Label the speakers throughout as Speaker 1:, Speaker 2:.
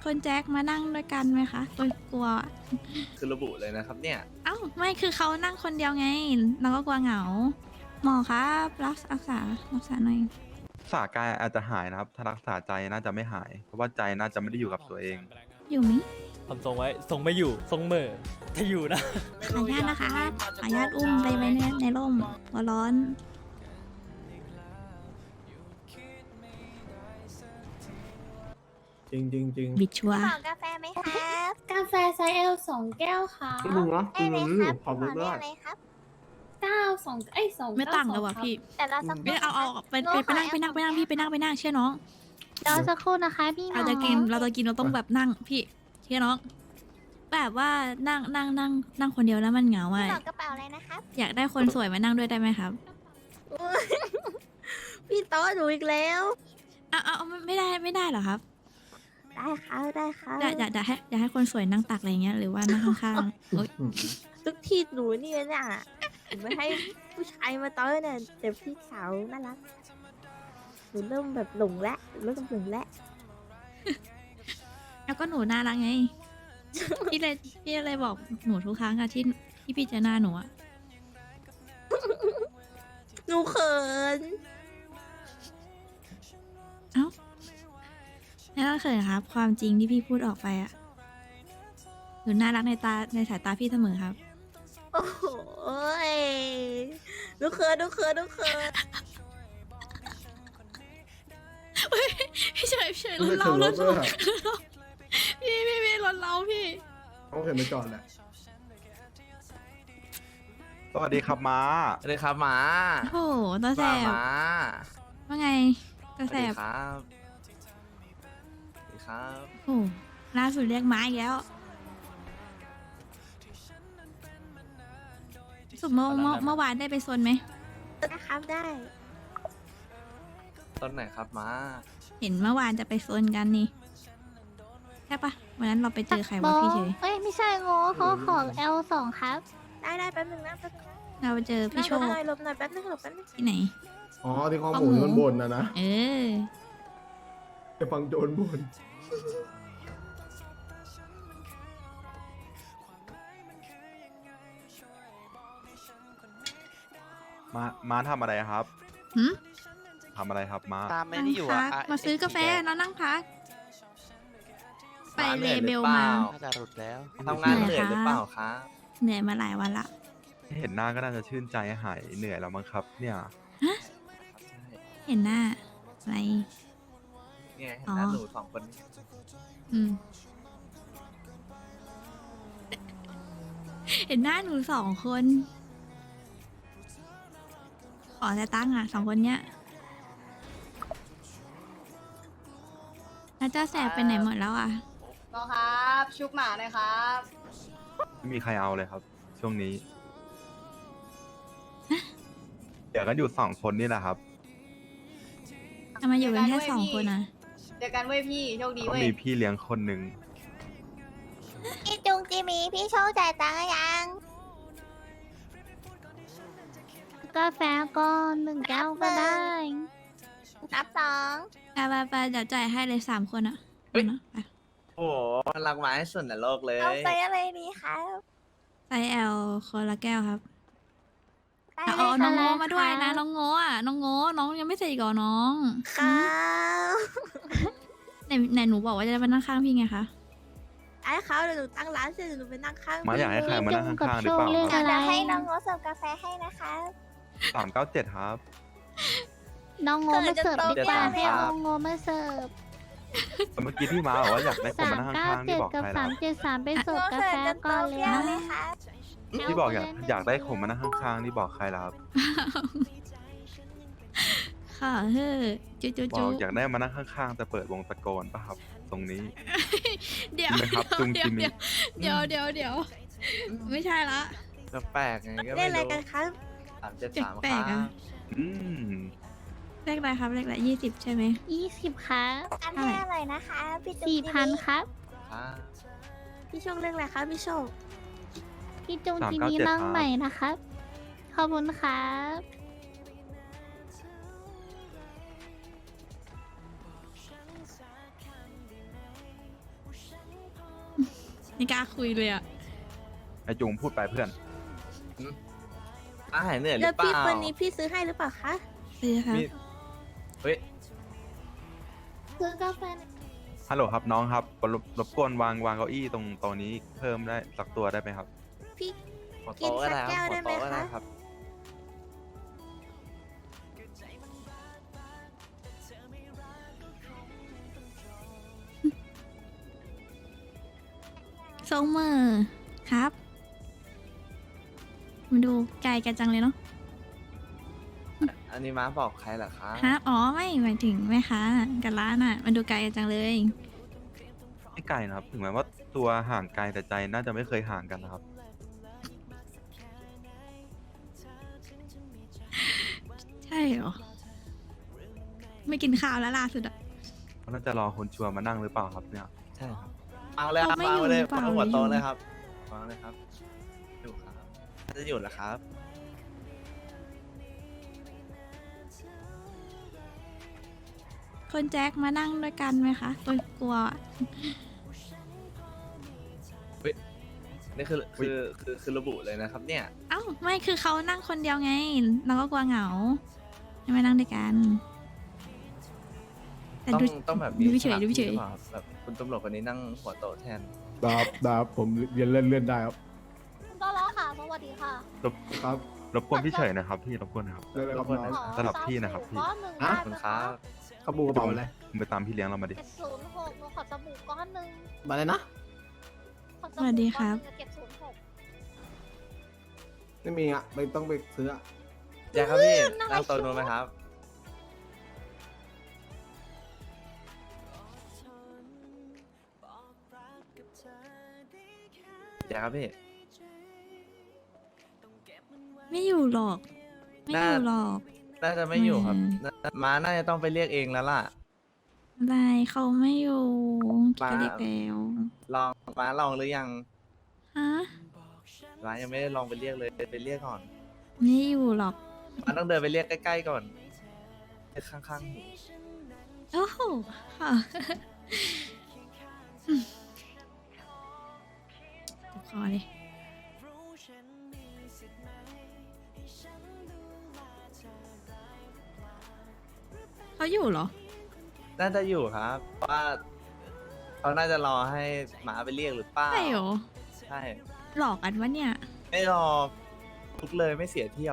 Speaker 1: คนแจ็คมานั่งด้วยกันไหมคะโอ้ยกลัว
Speaker 2: คือระบุเลยนะครับเนี่ย
Speaker 1: เอ้าไม่คือเขานั่งคนเดียวไงเราก็กลัวเหงา หมอครับรักษาหน่อย
Speaker 3: รักษากายอาจจะหายนะครับ ถ้ารักษาใจน่าจะไม่หาย เพราะว่าใจน่าจะไม่ได้อยู่กับตัวเอง
Speaker 1: อยู่มิ
Speaker 4: ทำทรงไว้ทรงไม่อยู่ทรงเหม่อถ้าอยู่นะ
Speaker 1: ขออนุญาตนะคะขออนุญาตอุ้มไปไว้ในร่มหัวร้อน
Speaker 5: จริงจริงจริง
Speaker 1: บิดชัวร์
Speaker 6: ขอกาแฟไหมครับ
Speaker 7: กาแฟไซส์ L 2 แก้วค่ะ
Speaker 5: ที่มึงนะ
Speaker 6: ได้เลยครับ
Speaker 5: ขอบ
Speaker 6: ข
Speaker 5: คุ
Speaker 6: อ
Speaker 5: ณ
Speaker 6: เรี
Speaker 5: ด้วย ย
Speaker 6: กอะไรครับ
Speaker 7: 9 2เอ้ย2
Speaker 1: ไม่ต่างเลยว่ะพี่
Speaker 6: แต่เราสักค
Speaker 1: ไม่
Speaker 6: รู่
Speaker 1: เอาไปนั่งพี่ไปนั่งเชื่อน้อง
Speaker 6: เราสักครู่นะคะพี่น้
Speaker 1: เรา
Speaker 6: อง
Speaker 1: จะกินเราต้องแบบนั่งพี่เชื่อน้อง แบบว่านั่งคนเดียวแล้วมันเหงา
Speaker 6: พี่
Speaker 1: อ่ะ
Speaker 6: บอกกระเป๋าอะไรนะครับ
Speaker 1: อยากได้คนสวยมานั่งด้วยได้ไหมครับ
Speaker 6: พี่โต๊ะหนูอีกแล้ว
Speaker 1: เอาไม่ได้เหรอครับ
Speaker 6: ได้ครับได้ครับ
Speaker 1: อยากให้คนสวยนั่งตักอะไรเงี้ยหรือว่านั่งข้างๆโอ๊ย
Speaker 6: ทุกทีหนูนี่เนี่ยหนูไม่ให้ผู้ชายมาโต๊ะเนี่ยแต่พี่สาวน่ารักหนูเริ่มแบบหลงแล้วเริ่มหลงแล้ว
Speaker 1: แล้วก็หนูน่ารักไง พี่เลยบอกหนูทุกครั้งอะที่พี่เจอหน้าหนูอะ
Speaker 6: หนูเขิน
Speaker 1: เอ้าแล้วก็เคยครับ ความจริงที่พี่พูดออกไปอะหนูน่ารักในสายตาพี่เสมอครับ
Speaker 6: โอ้โหยหนูเขิน
Speaker 1: พี่เฉย
Speaker 5: ไม่
Speaker 1: รถ
Speaker 5: ได้
Speaker 1: เรา
Speaker 5: ถึง
Speaker 1: ร
Speaker 5: ร
Speaker 1: ถ
Speaker 5: ถด้วยอะ
Speaker 1: พี่รถเราพี่
Speaker 5: เขาเห็นไปจอดแหละ
Speaker 3: สวัสดีครับม้า
Speaker 2: สวัสดีครับหมา
Speaker 1: โอ้โหตัวแส
Speaker 2: ว่า
Speaker 1: บ
Speaker 2: หมา
Speaker 1: ว่าไงตัว
Speaker 2: สวัส
Speaker 1: แส
Speaker 2: ดี
Speaker 1: บ
Speaker 2: ครับสวัสดีครับ
Speaker 1: โอ้โหล่าสุดเรียกม้าอีกแล้วสุดเมื่อวานได้ไปโซนไหม
Speaker 6: นะครับได้
Speaker 2: ต้นไหนครับหมา
Speaker 1: เห็นเมื่อวานจะไปโซนกันนี่ใช่ปะวันนั้นเราไปเจอใครวะพี่เฉย
Speaker 6: เอ้ยไม่ใช่โง่เขาของ L2 ครับ ได้แป๊บนึงนะแป๊บนึงนะ
Speaker 1: เราไปเจอพี่โชค
Speaker 6: หลบหน่อยแป๊บนึงหลบแป๊บนึง
Speaker 1: ที่ไหน
Speaker 5: อ๋อที่ข้อมูลมันบนนะ
Speaker 1: เออ
Speaker 5: ไปฟังโจรบน
Speaker 3: ม้าทำอะไรครับ
Speaker 1: หืม
Speaker 3: ทำอะไรครับม้า
Speaker 8: ตามไม่
Speaker 1: นั่ง
Speaker 8: ได้อยู่
Speaker 1: พั
Speaker 8: อ่ะ
Speaker 1: กมาซื้อกาแฟแล้วนั่งพัก ไปเลเบลมา
Speaker 8: น่าจะหลุดแล้ว
Speaker 2: ทำงานเหนื่อยหรือเปล่าครับ
Speaker 1: เหนื่อยมาหลายวันละ
Speaker 3: เห็นหน้าก็น่าจะชื่นใจหายเหนื่อยแล้วมั้งครับ เนี่ย
Speaker 1: เห็นหน้าอะไร
Speaker 2: เนี่ยเห็นหน้า
Speaker 1: อ๋อ
Speaker 2: หนูสองคนนี้
Speaker 1: อืม เห็นหน้าหนู2 คน ขอแต่ตั้งค์อ่ะ2 คนเนี้ยแล้วเจ้าแสบไปไหนหมดแล้วอ่ะ
Speaker 7: น้องครับชุบหมาหน่อยครับ
Speaker 3: ไม่มีใครเอาเลยครับ ช่วงนี้ เดี๋ยวกันอยู่2 คนนี่แหละครับ
Speaker 1: ทำไมอยู่กันแค่2 คนอ่ะ
Speaker 7: เจอกันเว้ยพี่โชคดี
Speaker 3: ก็
Speaker 7: เว้ย
Speaker 3: มีพี่เลี้ยงคนหนึ่ง
Speaker 6: พี่จุงจิมีพี่โชคจ่ายตังค์หรือยัง
Speaker 9: กาแฟก็1 แก้วก็ได้
Speaker 6: นับ
Speaker 1: ไปเดี๋ยวจ่ายให้เลย3 คนอ่ะนะไป
Speaker 2: โอ้โหน่ารักหมาให้สุดในโลกเล
Speaker 6: 2
Speaker 2: ย
Speaker 6: เอาไปอะไรดีครับ
Speaker 1: ไซส์ L คนละแก้วครับ
Speaker 6: ได้
Speaker 1: เอา
Speaker 6: เลย
Speaker 1: น้องโง่
Speaker 9: อะไร
Speaker 1: มาด้วย
Speaker 9: คะ
Speaker 1: นะน้องโง่อ่ะน้องโง่น้องยังไม่เสร็จอีก่อนน้อง
Speaker 6: ครับ
Speaker 1: ไหนหนูบอกว่าจะไปนั่งข้างพี่ไงคะ
Speaker 6: ได้ครับเดี๋ยวหนูตั้งร้านเสร็จเดี๋ยวหนูไปนั่งข้าง
Speaker 3: ม้าอยากให้ใครมานั่งข้างๆหรือเปล่า
Speaker 9: พี่จุงกับโชคเรียก
Speaker 3: ครับ
Speaker 6: เดี๋ยวให้น้องโรสเสิร์ฟกาแฟให้นะคะ
Speaker 3: 397ครับ
Speaker 9: น้องโงมาเสิร์ฟดีกว่า
Speaker 2: เกิดจะ
Speaker 9: ให้
Speaker 2: โต
Speaker 9: น้องโงมาเสิร์ฟ
Speaker 3: แต่เมื่อกี้ที่ม้าบอกว่าอยากได้คนมานั่งข้างๆนี่
Speaker 9: 397
Speaker 3: บอก
Speaker 9: กับ
Speaker 3: ใครแล้ว
Speaker 9: 373ไปเสิร์ฟกาแฟก่อนเลย
Speaker 6: เปรี้ยว
Speaker 9: นะ
Speaker 6: ไหมคะ
Speaker 3: ที่บอกอยากได้คนมานั่งข้างๆนี่บอกใครแล้วครับ
Speaker 1: ค่ะเฮ้อจุจุ
Speaker 3: บ
Speaker 1: จุ
Speaker 3: อกอยากได้มานั่งข้างๆแต่เปิดวงตะโกนป่ะครับ ตรงนี้
Speaker 1: เดี๋ยว
Speaker 3: จริงไหมครับจุงจิมิ
Speaker 1: เดี๋ยวไม่ใช่ละ
Speaker 2: ก็แปลกไงก็
Speaker 6: เล่
Speaker 2: ไม่
Speaker 6: นอะไร
Speaker 2: รู้
Speaker 6: กันครับ
Speaker 2: 373
Speaker 1: แปลกๆ
Speaker 2: ครั
Speaker 1: อะ
Speaker 2: บ
Speaker 3: อืม
Speaker 1: เลขอะไรครับเลขอะไร20 ใช่ไหม
Speaker 9: 20ครับ
Speaker 6: อันให้อร่อยนะคะพี่จุงจิมี
Speaker 9: 4,000ครับ
Speaker 2: ครับ
Speaker 6: พี่โชคเรื่องอะไรคะพี่โชค
Speaker 9: พี่จุงจิมีนั่งใหม่นะครับ ขอบคุณครับ
Speaker 1: อไม่กล้าคุยเลยอ่ะ
Speaker 3: ไอจุงพูดไปเพื่อน
Speaker 2: หายเหนื่อยหรื
Speaker 6: แล้ว
Speaker 2: อเป
Speaker 6: พี่
Speaker 2: ล่า
Speaker 6: คนนี้พี่ซื้อให้หรือเปล่าคะ
Speaker 1: ซื้อครับ
Speaker 2: มีเฮ้ย
Speaker 7: ซื้อกาแฟหน่อย
Speaker 3: ฮัลโหลครับน้องครับรบกวนวางเก้าอี้ตรงนี้เพิ่มได้สักตัวได้ไหมครับ
Speaker 6: พี่
Speaker 2: หัวโตะก็ได้
Speaker 6: กินสักแก้
Speaker 2: คว รับ
Speaker 6: ได้
Speaker 2: หัว
Speaker 6: ไหม
Speaker 2: โตะก็ได้
Speaker 6: คะ
Speaker 2: ครับ
Speaker 1: ทรงมือครับ มาดูไกลกันจังเลยเนาะ
Speaker 2: อันนี้ม้าบอกใครเหรอคะ
Speaker 1: ฮะอ๋อไม่หมายถึงแม่ค้ากับร้านอ่ะ มันดูไกลกันจังเลย
Speaker 3: ไม่ไกลนะครับ ถึงแม้ว่าตัวห่างไกลแต่ใจน่าจะไม่เคยห่างกันนะครับ
Speaker 1: ใช่เหรอ ไม่กินข้าวแล้วล่าสุดอ่ะ
Speaker 3: เขาน่าจะรอคนชัวร์มานั่งหรือเปล่าครับเนี่ย
Speaker 2: ใช่ครับเอาเลยครับ
Speaker 1: เขาไม่
Speaker 2: เอาเลย
Speaker 1: อยู่หรือเปล่า
Speaker 2: เอาหัวโตะ
Speaker 1: หรืออยู่
Speaker 2: เลยครับวางเลยครับ อยู่ครับ จะอยู่แล้วครับ
Speaker 1: คนแจ็คมานั่งด้วยกันไหมคะตัวกลัวอะ
Speaker 2: นี่คือระบุเลยนะครับ เนี่ย
Speaker 1: เอ้าไม่คือเขานั่งคนเดียวไง เราก็กลัวเหงาให้มานั่งด้วยกัน แต่
Speaker 2: ต้อง
Speaker 1: ดู
Speaker 2: ต้องแบบ
Speaker 1: ดูเฉย
Speaker 2: สลับ
Speaker 1: ดูเฉย
Speaker 2: ที่หรือปล่าครับแบบคุณตำรวจคนนี้นั่งหัวโตะแทน
Speaker 5: ดับผมเรียนเลื่อนได้ครับ
Speaker 9: คุณก็ล้อค่ะสวัสดีค่ะ
Speaker 5: ครับ
Speaker 3: รบกวนพี่เฉยนะครับพี่รบกวนนะครับ
Speaker 5: เลื่อนเลยครับ
Speaker 2: รบกวน
Speaker 5: น้อง
Speaker 3: สลับที่นะครับพี่
Speaker 9: ก้อนหนึ่ง
Speaker 5: ฮะ
Speaker 9: ได้
Speaker 2: ขอบคุณ
Speaker 9: ไหม
Speaker 2: ครั
Speaker 9: คะ
Speaker 2: บ
Speaker 5: ขบูกระเป๋าอะไร
Speaker 3: มึงไปตามพี่เลี้ยงเรามาดิ
Speaker 9: 706หนูขอสบู่ก้อนหนึ่ง
Speaker 5: มาเลยนะ
Speaker 9: ขอ
Speaker 1: สวัสดีครับ
Speaker 9: 706
Speaker 5: ไม่มีอ่ะไม่ต้องไปซื้ออะ
Speaker 2: แจ็คครับพี่นั่งโต๊ะนู้นไหมครับ แจ็คครับพี่
Speaker 1: ไม่อยู่หรอก ไม่อยู่หรอก
Speaker 2: น่าจะไม่อยู่ครับ
Speaker 1: อืม
Speaker 2: ม้าน่าจะต้องไปเรียกเองแล้วล่ะ
Speaker 1: อะไรเขาไม่อยู่
Speaker 2: มา
Speaker 1: ก็เด็กแล้ว
Speaker 2: ม้าลองหรือยัง
Speaker 1: ฮะ
Speaker 2: ม้ายังไม่ได้ลองไปเรียกเลยไปเรียกก่อน
Speaker 1: ไม่อยู่หรอก
Speaker 2: ม้าต้องเดินไปเรียกใกล้ๆก่อนเรียกข้างๆหู
Speaker 1: โอ้โหค่ะคอเลยเขาอยู่เหรอ
Speaker 2: น่าจะอยู่ครับเพราะว่าเขาน่าจะรอให้หมาไปเรียกหรือเปล่า
Speaker 1: ใช่เหรอ
Speaker 2: ใช่
Speaker 1: หลอกกันวะเนี่ย
Speaker 2: ไม่รอลุกเลยไม่เสียเที่ยว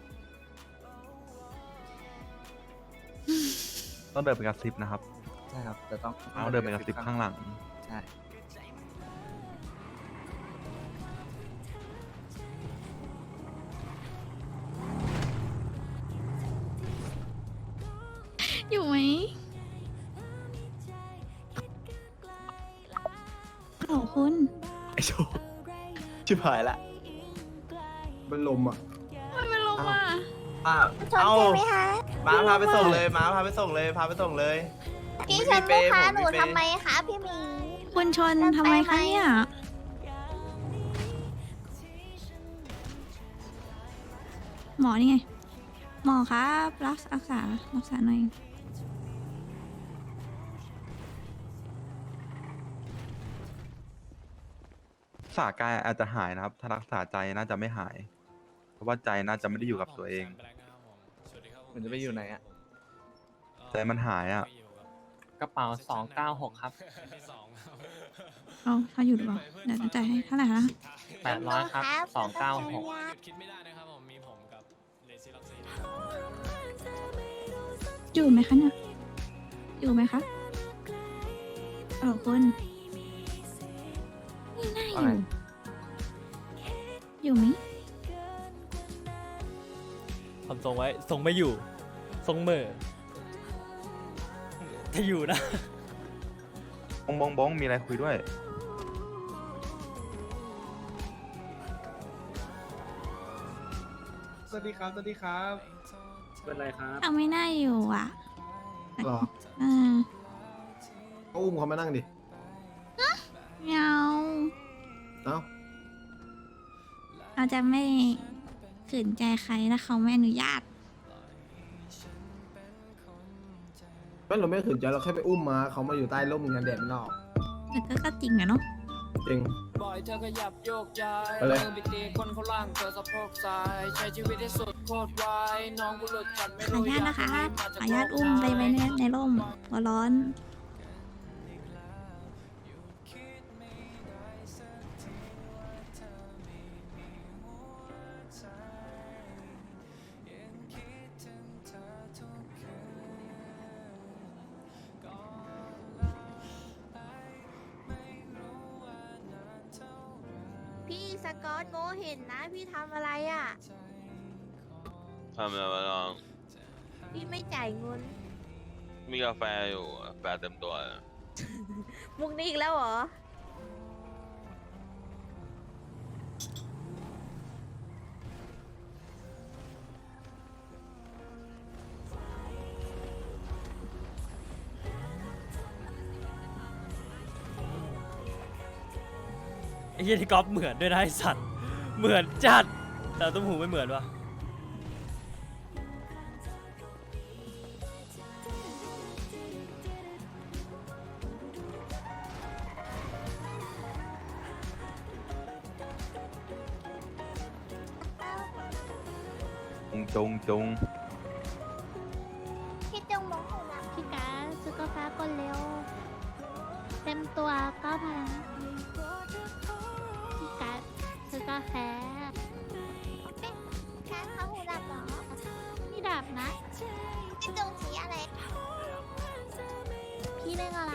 Speaker 3: ต้องเดินไปกระซิบนะครับ
Speaker 2: ใช่ครับแต่ต้อง
Speaker 3: ต้องเดินไปกระซิบข้างหลัง
Speaker 2: ใช่
Speaker 1: อยู่ไหมโอ้คุณ
Speaker 2: ไอโชว์ชิบหายละ
Speaker 5: เป็นลมอ่ะ
Speaker 1: มันไม่ลงมา
Speaker 2: ป้า
Speaker 6: ชน
Speaker 2: เอา
Speaker 6: ใช่ไหมคะ
Speaker 2: ม้าพาไปส่งเลยม้าพาไปส่งเลยพาไปส่งเลย
Speaker 6: พี่ช
Speaker 2: ไม่
Speaker 6: น
Speaker 2: มี
Speaker 6: ลูกค้า
Speaker 2: เปย์
Speaker 6: หนู
Speaker 2: ผมมีเปย์
Speaker 6: ทำไมคะพี่หมี
Speaker 1: คุณชนทำไมคะเนี่ย หมอนี่ไง หมอครับรักษาหน่อย
Speaker 3: รักษากายอาจจะหายนะครับ ถ้ารักษาใจน่าจะไม่หาย เพราะว่าใจน่าจะไม่ได้อยู่กับตัวเอง
Speaker 2: มันจะไปอยู่ไหนอะ
Speaker 3: ใจมันหายอ่ะ
Speaker 8: กระเป๋า 296 ครับ
Speaker 1: เขาอยู่หรือเปล่าเดี๋ยวจะจ่ายให้เท่าไหร่คะ
Speaker 8: 800 ครับ 296
Speaker 1: อยู่ไหมคะเนี่ย อยู่ไหมคะเออคุณไม่น่าอยู่ อยู่ไหม
Speaker 4: ทำทรงไว้ ทรงไม่อยู่ ทรงเหม่อถ้าอยู่นะ
Speaker 3: บ้องมีอะไรคุยด้วย
Speaker 5: สวัสดีครับ สวัสดีครับ
Speaker 8: เป็นไรครับ
Speaker 1: เอาไม่น่าอยู่อ่ะ
Speaker 5: หรอ
Speaker 1: เออ
Speaker 5: เขาอุ้มเขามานั่งดิ
Speaker 1: ไม่เอา
Speaker 5: เอ้า
Speaker 1: เราจะไม่ขืนใจใครถ้าเขาไม่อนุญาต
Speaker 5: ไม่เราไม่ขืนใจเราแค่ไปอุ้มมาเขามาอยู่ใต้ร่มงานแดดมันออก
Speaker 1: แต่ก็จริงอะเนาะ
Speaker 5: จริง
Speaker 10: บ่อยๆเธอขยับโยกย้าย
Speaker 5: ไปเลย
Speaker 10: มือไปตีคนเขาล่างเธอสะโพกซ้ายใช้ชีวิตให้สุดโคตรไวน้องกูหลุดจัดไม่
Speaker 1: ขออ
Speaker 10: รู้
Speaker 1: นุญาตนะคะ
Speaker 10: มา
Speaker 1: ข
Speaker 10: จ
Speaker 1: ออนุญาตอุ้มไปไว้ในร่มหัวร้อน
Speaker 6: พี่สกอตโง่เห็นนะ พี่ทำอะไรอ่ะ
Speaker 11: ทำอะไรมาลอง
Speaker 6: พี่ไม่จ่ายเงิน
Speaker 11: มีกาแฟอยู่กาแฟเต็มตัวเลย
Speaker 6: มุกนี้อีกแล้วเหรอ
Speaker 4: ไอ้เหี้ยที่ก๊อฟเหมือนด้วยนะไอ้สัตว์เหมือนจัดแต่ตุ้มหูไม่เหมือนวะ
Speaker 3: จงจง
Speaker 7: พี่จงบอกหนูนะ
Speaker 9: พี่การดซื้อกาแฟก่อนเร็ว เต็มตัว9,000พี่การดซื้อกาแฟ
Speaker 7: การเขาหูดับเหรอ
Speaker 9: นี่ดับนะ
Speaker 7: พี่จงสีอะไร
Speaker 9: พี่เล่นอะไร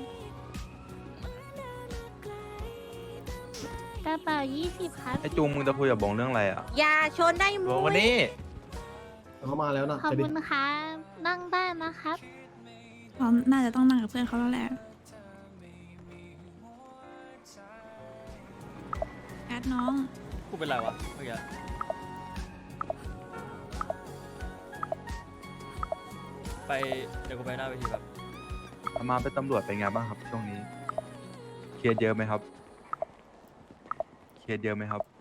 Speaker 9: กระเป๋า20ครับ
Speaker 3: ไอจุงมึงจะคุยกับบงเรื่องอะไรอ่ะ
Speaker 6: อย่าชนได้มุ้
Speaker 2: วัน
Speaker 6: ย
Speaker 2: นี้
Speaker 5: เขามาแล้วนะ
Speaker 9: ขอบ
Speaker 5: ไปดิ
Speaker 9: คุณค่ะนั่งได้นะครับ
Speaker 1: พร้อมน่าจะต้องนั่งกับเพื่อนเขาแล้วแหละการ์ดน้อง
Speaker 4: กูเป็นไรวะเมื่อกี้ไปเดี๋ยวกูไปหน้าเวทีแบบ
Speaker 3: อามาเป็นตำรวจเป็นไงบ้างครับช่วงนี้ เครียดเยอะไหมครับ เครียดเยอะไหมครับ